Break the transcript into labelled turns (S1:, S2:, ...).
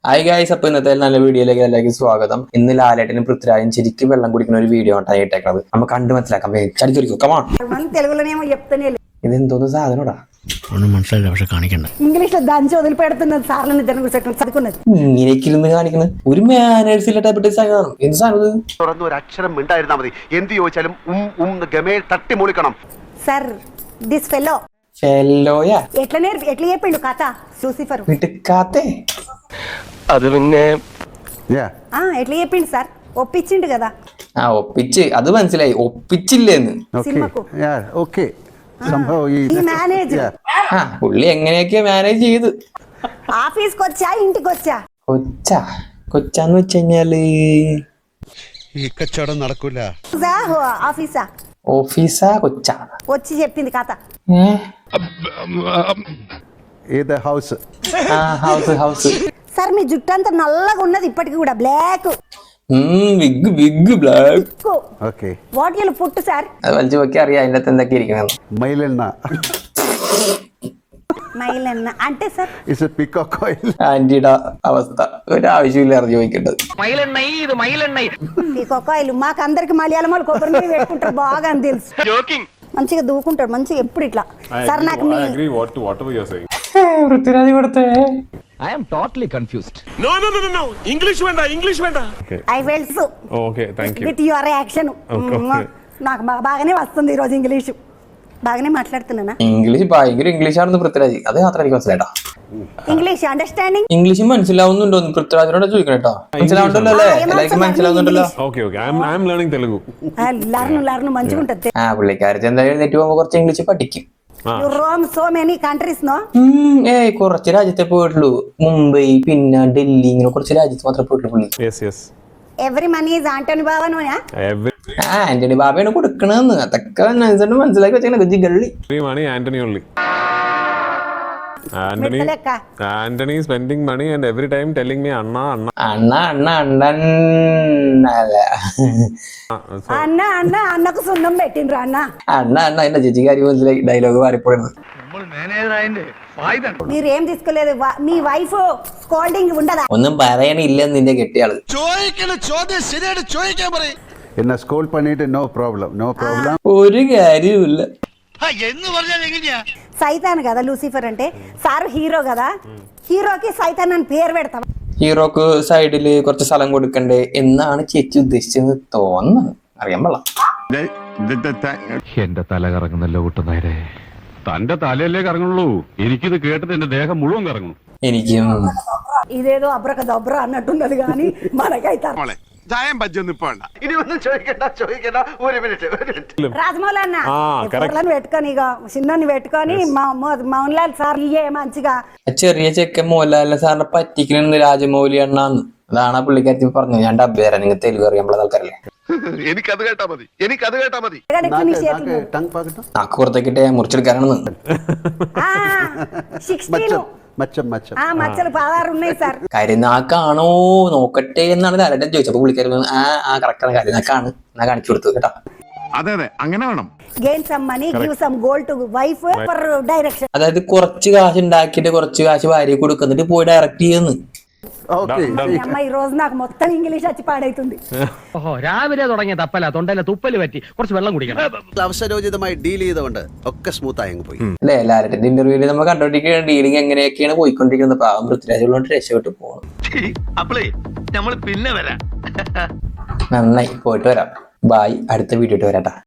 S1: Hi guys, അപ്പൊ ഇന്നത്തെ നല്ല വീഡിയോയിലേക്ക് എല്ലാവർക്കും സ്വാഗതം. ഇന്ന് ലാലേട്ടനും പൃഥ്വിരാജും ശരിക്കും വെള്ളം കുടിക്കുന്ന ഒരു വീഡിയോ ആണ് ഇട്ടേക്കുന്നത്. നമുക്ക് കണ്ടു മനസ്സിലാക്കാം. ഇതെന്തോന്ന് സാധനോടാ
S2: ഒന്നും മനസ്സിലായില്ല, പക്ഷെ കാണിക്കണ്ട.
S1: ഇങ്ങനെയൊക്കെ ഇരുന്ന് കാണിക്കുന്നത് ഒരു മാനേഴ്സ് ഇല്ല ടൈപ്പ് സാധനം. എന്ത് സാധനം?
S3: തുറന്ന് ഒരു അക്ഷരം മിണ്ടായിരുന്നാ മതി. എന്ത് ചോദിച്ചാലും ഗമേൽ തട്ടി മൂളിക്കണം.
S4: സർ ദിസ് ഫെല്ലോ
S1: ഫെല്ലോയാ
S4: ఎట్లా చెప్పిండు కథ లూసిఫర్
S1: വിട്ടുക്കാത്തേ.
S5: അത് പിന്നെ
S4: ఎట్లా చెప్పిండు సార్ ఒప్పించిండు కదా
S1: ആ ഒപ്പിച്ച്, അത് മനസ്സിലായി. ഒപ്പിച്ചില്ലേന്ന്
S4: സിനിമకు ఈ మేనేజర్
S1: ആ പുള്ളി എങ്ങനെയൊക്കെയാ മാനേജ് ചെയ്ത്.
S4: ఆఫీస్కి వచ్చా ఇంటికి వచ్చా
S1: കൊച്ചാന്ന് വെച്ച് കഴിഞ്ഞാല്
S3: ഈ കച്ചവടം നടക്കൂല.
S4: ఆఫీసా
S1: ഓഫീസാ കൊച്ചാ
S4: వచ్చి చెప్పింది కథ
S3: ഹൗസ്
S1: ഹൗസ്
S4: సార్ మీ జుట్టు అంతా నల్లగా ఉన్నది ఇప్పటికి కూడా బ్లాక్
S1: വിഗ് ബ്ലാക്ക്.
S4: వాటిలో పుట్టు సార్
S1: അത് വലിച്ചു നോക്കി അറിയാം അതിന്റെ അകത്ത് എന്തൊക്കെ ഇരിക്കുന്നത്.
S3: മൈലെണ്ണ
S4: మైలన్న అంటే sir
S3: is a peacock oil.
S1: ആന്റിയുടെ അവസ്ഥ ഒരു ആവശ്യമില്ലായിരുന്നു ചോദിക്കേണ്ടത്.
S4: కొక్కాయిలు మాకు అందరికి మలయాళం వాళ్ళు కొబ్బరి నీళ్ళు పెట్టుకుంటారు బాగా అని తెలుసు. మంచిగా దూకుంటాడు మంచిగా ఎప్పుడు ఇట్లా సార్ నాకు
S1: പൃഥ്വിരാജ് കൊടുത്തേ.
S5: I am totally confused.
S6: No. English venda.
S4: I wells
S6: Okay, thank you.
S4: With your action నాకు బాగానే వస్తుంది ఈ రోజు ఇంగ్లీషు బాగానే మాట్లాడుతున్నానా.
S1: ഇംഗ്ലീഷ് ഭയങ്കര ഇംഗ്ലീഷാണെന്ന് പൃഥ്വിരാജ്. അത് മാത്രം എനിക്ക് മനസ്സിലായിട്ടാ.
S4: ఇంగ్లీష్ అండర్స్టాండింగ్
S1: ഇംഗ്ലീഷ് മനസ്സിലാവുന്നുണ്ടോ പൃഥ്വിരാജിനോട് ചോദിക്കണേട്ടോ. മനസ്സിലാവുന്നുണ്ടല്ലോ അല്ലേ? എല്ലാവർക്കും മനസ്സിലാവുന്നുണ്ടല്ലോ.
S6: Okay. I'm learning Telugu.
S4: లర్ను మంచిగా ఉంటుంది.
S1: ആ പുള്ളിക്കാരത്തി എന്തായാലും എഴുന്നേറ്റ് പോകുമ്പോ കുറച്ച് ഇംഗ്ലീഷ് പഠിക്കും.
S4: You roam so many countries no.
S1: കുറച്ച് രാജ്യത്തെ പോയിട്ടുള്ളൂ. മുംബൈ പിന്നെ ഡൽഹി ഇങ്ങനെ കുറച്ച് രാജ്യത്ത് മാത്രമേ പോയിട്ടുള്ളൂ പുള്ളി.
S6: Yes.
S4: Every money is Anthony ബാബനോയാ.
S1: ആന്റണി ബാബയാണ് കൊടുക്കണെന്ന്. അതൊക്കെ മനസ്സിലാക്കി വെച്ചാൽ ഗള്ളി.
S6: Free money, Anthony only. Anthony is spending money and every time telling me Anna.
S1: അണ്ണൻ അല്ല
S4: అన్న అన్నకు సున్నం పెట్టిండ్రు అన్న
S1: എന്റെ ചേച്ചിക്കാരി മനസ്സിലായി. ഡയലോഗ് മാറിപ്പോയത്.
S4: మీరు ఏం తీసుకోలేదు మీ వైఫ్ స్కోల్డింగ్ ఉండదా.
S1: ഒന്നും പറയണില്ലെന്ന് നിന്റെ കെട്ടിയാള്.
S3: എന്നെ സ്കൂൾ പണിയിട്ട് നോ പ്രോബ്ലം
S1: ഒരു കാര്യമില്ല.
S4: సైతాన్ కదా లూసిఫర్ అంటే. సార్ హీరో కదా, హీరోకి సైతాన్ అని పేరు పెడతాం.
S1: ഹീറോക്ക് സൈഡില് കുറച്ച് സ്ഥലം കൊടുക്കണ്ടേ എന്നാണ് ചേച്ചി ഉദ്ദേശിച്ചത് തോന്നുന്നത്. അറിയാൻ പാടില്ല.
S7: എന്റെ തല കറങ്ങുന്നല്ലോ കൂട്ടുന്നേരെ. തന്റെ തലയല്ലേ കറങ്ങുള്ളൂ, എനിക്കിത് കേട്ടിട്ട് എന്റെ ദേഹം മുഴുവൻ കറങ്ങും.
S1: എനിക്കും
S4: ఇదేదో అబ్రక దబ్ర అన్నట్టున్నది కానీ మనకైతే
S3: ഇനി ഒന്നും ചോദിക്കണ്ട. ഒരു മിനിറ്റ്.
S4: రాజమౌళి అన్న ఎప్పుడైనా పెట్టుకొని ఇక చిన్నని పెట్టుకొని మౌన్ లాల్ సార్ ఇయ్యే మంచిగా.
S1: ചെറിയ ചെക്കൻ മോഹൻലാലിനെ സാറിനെ പറ്റിക്കണെന്ന് രാജമൗലി അണ്ണാന്ന്. അതാണ് ആ പുള്ളിക്കാരത്തി പറഞ്ഞത്. ഞാൻ ഡബ് തരാം, നിങ്ങൾ തെലുങ്ക് അറിയാൻ ആൾക്കാരല്ലേ.
S3: എനിക്കത് കേട്ടാ മതി.
S1: നാക്ക് പുറത്തേക്കിട്ട് മുറിച്ചെടുക്കാനാണെന്ന്.
S4: మచ్చలు 16 ఉన్నాయి సార్.
S1: കരിനാക്കാണോ നോക്കട്ടെ എന്നാണ് ലാലേട്ടൻ ചോദിച്ചത്. അപ്പൊ പുള്ളിക്കാരി ആ കറക്റ്റാണ്, കരിനാക്കാണ്. എന്നാ കാണിച്ചു കൊടുത്തു കേട്ടോ.
S7: അതെ അങ്ങനെ വേണം.
S4: Gain some money give some gold to wife for direction.
S1: അതായത് കുറച്ച് കാശ് ഉണ്ടാക്കിയിട്ട് കുറച്ച് കാശ് ഭാര്യ കൊടുക്കുന്നിട്ട് പോയി ഡയറക്റ്റ് ചെയ്യുന്നു.
S4: అమ్మ ఈ రోజు నాకు మొత్తం ఇంగ్లీష్ వచ్చి పాడైతుంది.
S5: രാവിലെ തുടങ്ങിയ തപ്പല തൊണ്ടയിലെ തുപ്പല് പറ്റി കുറച്ച് വെള്ളം കുടിക്കണം.
S3: അവസരോചിതമായി ഡീൽ ചെയ്തുകൊണ്ട് ഒക്കെ സ്മൂത്ത് ആയി പോയി
S1: അല്ലെ. ലാലേട്ടന്റെ ഇന്റർവ്യൂവിൽ നമ്മൾ കണ്ടോണ്ടിരിക്കുന്ന ഡീലിംഗ് എങ്ങനെയൊക്കെയാണ് പോയിക്കൊണ്ടിരിക്കുന്നത്. പാവം പൃഥ്വിരാജുള്ളോട്ട് രക്ഷപ്പെട്ട് പോകണം.
S5: നമ്മൾ പിന്നെ വരാം.
S1: നന്നായി പോയിട്ട് വരാം. ബായ്. അടുത്ത വീഡിയോ വരാട്ടാ.